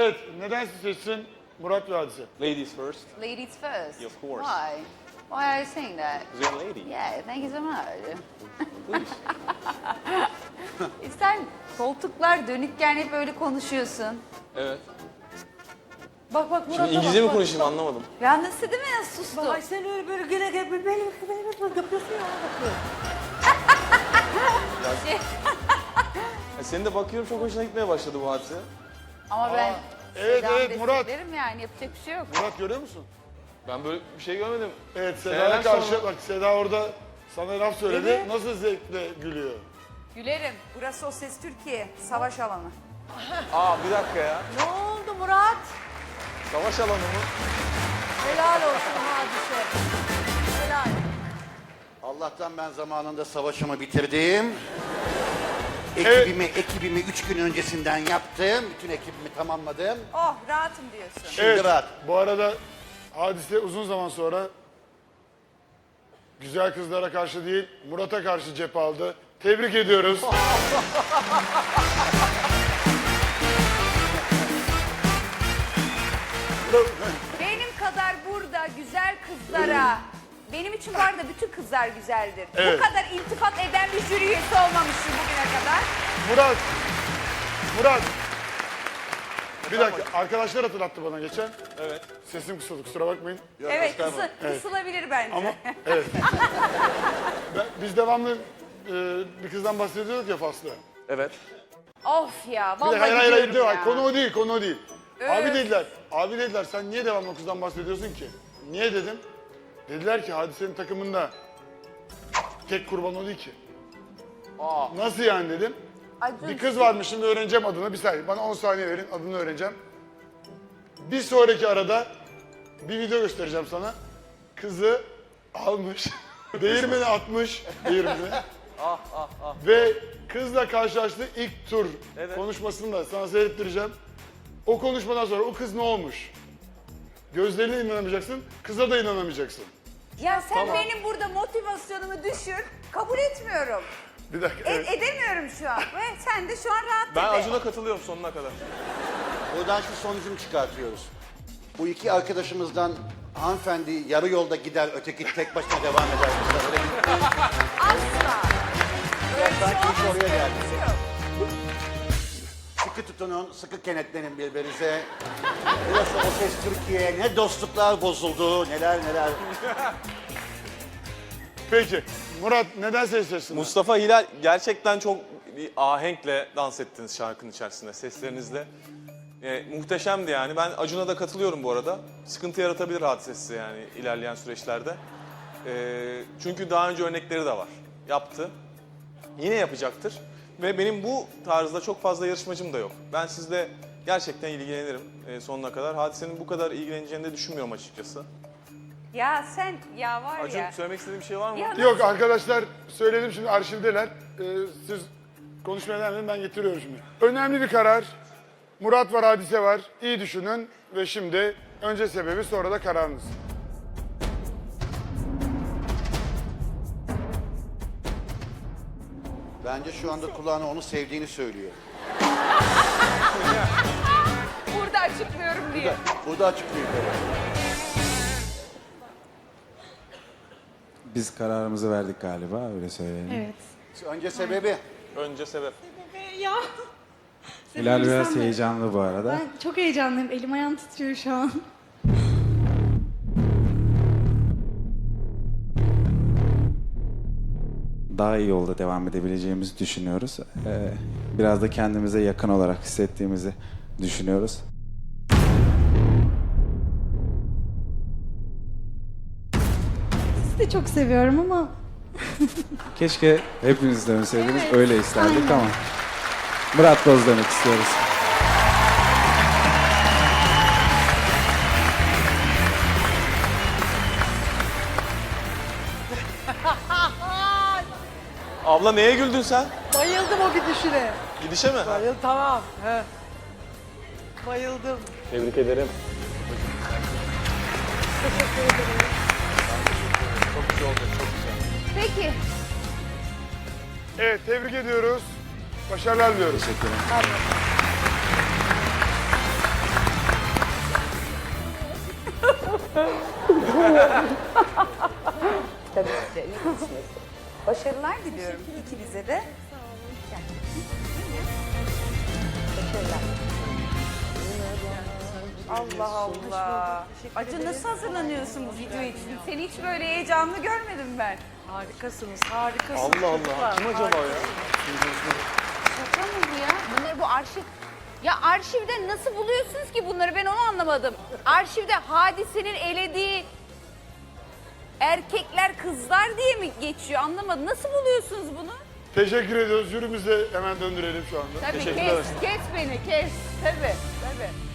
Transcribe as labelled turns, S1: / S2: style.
S1: Evet, neden siz seçsin Murat ve Hadise?
S2: Ladies first.
S3: Ladies first.
S2: Of course.
S3: Why? Why are you saying that?
S2: Because you're a lady.
S3: Yeah, thank you so much.
S2: Please.
S3: Sen koltuklar dönükken hep öyle konuşuyorsun.
S2: Evet.
S4: Bak bak Murat.
S2: Şimdi İngilizce mi konuşayım anlamadım.
S3: Ya nasıl değil mi? Nasıl sustu?
S4: Ay sen öyle böyle güle güle böyle yapıyorsun ya.
S2: Senin de bakıyorum çok hoşuna gitmeye başladı bu hadise.
S3: Ama ben
S1: Evet,
S3: Seda'nı
S1: evet, Murat.
S3: desteklerim yani yapacak bir şey yok.
S1: Murat görüyor musun?
S2: Ben böyle bir şey görmedim.
S1: Evet,
S2: Seneler
S1: Seda'ya karşı
S2: sonra-
S1: bak Seda orada sana laf söyledi.
S4: Evet.
S1: Nasıl zevkle gülüyor.
S3: Gülerim.
S4: Burası O Ses Türkiye. Savaş alanı.
S2: Aa bir dakika ya.
S4: Ne oldu Murat?
S2: Savaş alanı mı?
S4: Helal olsun Hadise. Helal.
S5: Allah'tan ben zamanında savaşımı bitirdim.
S1: Evet.
S5: Ekibimi 3 gün öncesinden yaptım. Bütün ekibimi tamamladım.
S4: Oh rahatım diyorsun.
S5: Şimdi rahat.
S1: Bu arada Hadise uzun zaman sonra güzel kızlara karşı değil, Murat'a karşı cep aldı. Tebrik ediyoruz.
S3: Benim kadar burada güzel kızlara, benim için var da bütün kızlar güzeldir.
S1: Evet.
S3: Bu kadar iltifat eden bir jüri üyesi olmamıştım bugüne kadar.
S1: Murat. Bir dakika, arkadaşlar hatırlattı bana geçen.
S2: Evet.
S1: Sesim kısıldı, kusura bakmayın.
S3: Evet, kısılabilir bence.
S1: Ama evet. Biz devamlı bir kızdan bahsediyorduk ya Faslı.
S2: Evet.
S3: Of ya,
S1: Bir
S3: vallahi
S1: de hayır,
S3: gidiyorum ya.
S1: konu o değil. Abi dediler sen niye devamlı o kızdan bahsediyorsun ki? Niye dedim? Dediler ki Hadise'nin takımında tek kurban o değil ki. Nasıl yani dedim.
S3: Ay,
S1: Bir kız varmış şimdi öğreneceğim adını, bir saniye bana 10 saniye verin adını öğreneceğim. Bir sonraki arada bir video göstereceğim sana. Kızı almış, değirmeni atmış, değirmeni. Ve kızla karşılaştığı ilk tur konuşmasını da sana seyrettireceğim. O konuşmadan sonra o kız ne olmuş? Gözlerine inanamayacaksın, kıza da inanamayacaksın.
S3: Ya sen benim burada motivasyonumu düşür, kabul etmiyorum.
S1: Bir dakika, evet.
S3: Edemiyorum şu an ve sen de şu an rahat
S2: Ben
S3: ede.
S2: Acun'a katılıyorum sonuna kadar.
S5: Buradan şu sonucunu çıkartıyoruz. Bu iki arkadaşımızdan hanımefendi yarı yolda gider, öteki tek başına devam eder. Öyle bir
S3: Asla. Böyle bir şey
S5: sanki iş
S3: olmaz,
S5: oraya
S3: böyle
S5: geldi.
S3: bir şey yok.
S5: sıkı tutunun, sıkı kenetlenin birbirinize. Burası O Ses Türkiye. Ne dostluklar bozuldu, neler.
S1: Peki, Murat neden seçtin?
S2: Mustafa Hilal gerçekten çok bir ahenkle dans ettiniz şarkının içerisinde seslerinizle. Muhteşemdi yani. Ben Acun'a da katılıyorum bu arada. Sıkıntı yaratabilir hadisesi yani ilerleyen süreçlerde. Çünkü daha önce örnekleri de var. Yaptı. Yine yapacaktır. Ve benim bu tarzda çok fazla yarışmacım da yok. Ben sizle gerçekten ilgilenirim sonuna kadar. Hadisenin bu kadar ilgileneceğini de düşünmüyorum açıkçası.
S3: Ya sen, ya var
S2: Acun
S3: ya.
S2: söylemek istediğin bir şey var mı?
S3: Ya
S1: Yok arkadaşlar söyledim şimdi arşivdeler. Siz konuşmaya devam edin ben getiriyorum şimdi. Önemli bir karar. Murat var, Hadise var. İyi düşünün ve şimdi önce sebebi sonra da kararınız.
S5: Bence şu anda kulağına onu sevdiğini söylüyor.
S3: burada açıklıyorum diye.
S5: Burada açıklıyor.
S6: Biz kararımızı verdik galiba, öyle söyleyelim.
S4: Evet.
S5: Önce sebebi.
S2: Önce sebep.
S7: Ya.
S6: Hilal biraz
S7: Sen de-
S6: heyecanlı bu arada.
S7: Ben çok heyecanlıyım. Elim ayağım titriyor şu an.
S6: Daha iyi yolda devam edebileceğimizi düşünüyoruz. Biraz da kendimize yakın olarak hissettiğimizi düşünüyoruz.
S7: Sizi de çok seviyorum ama
S6: Keşke hepiniz dönseydiniz,
S7: Evet,
S6: öyle isterdik
S7: aynen.
S6: ama Murat Boz demek istiyoruz.
S2: Abla neye güldün sen?
S4: Bayıldım o gidişine.
S2: Gidişe mi?
S4: Bayıldım tamam. He. Bayıldım.
S2: Tebrik ederim.
S4: Teşekkür ederim.
S2: Çok güzel oldu, çok güzel.
S3: Peki.
S1: Evet tebrik ediyoruz. Başarılar diliyoruz.
S6: Teşekkür ederim.
S3: Tabii ki de iyi kısmet. Başarılar diliyorum ikinize de. Başarılar. Allah Allah. Acun nasıl hazırlanıyorsun bu video için? Seni hiç böyle heyecanlı görmedim ben.
S4: Harikasınız, harikasınız.
S2: Allah Allah.
S4: Lütfen,
S2: Kim acaba ya?
S3: Şaka mı bu ya? Bu ne bu arşiv? Ya arşivde nasıl buluyorsunuz ki bunları, ben onu anlamadım. Arşivde Hadise'nin elediği erkekler kızlar diye mi geçiyor, anlamadım. Nasıl buluyorsunuz bunu?
S1: Teşekkür ediyoruz. Jürimizi de hemen döndürelim şu anda.
S3: Tabii
S2: Teşekkürler.
S3: kes beni kes. Tabii.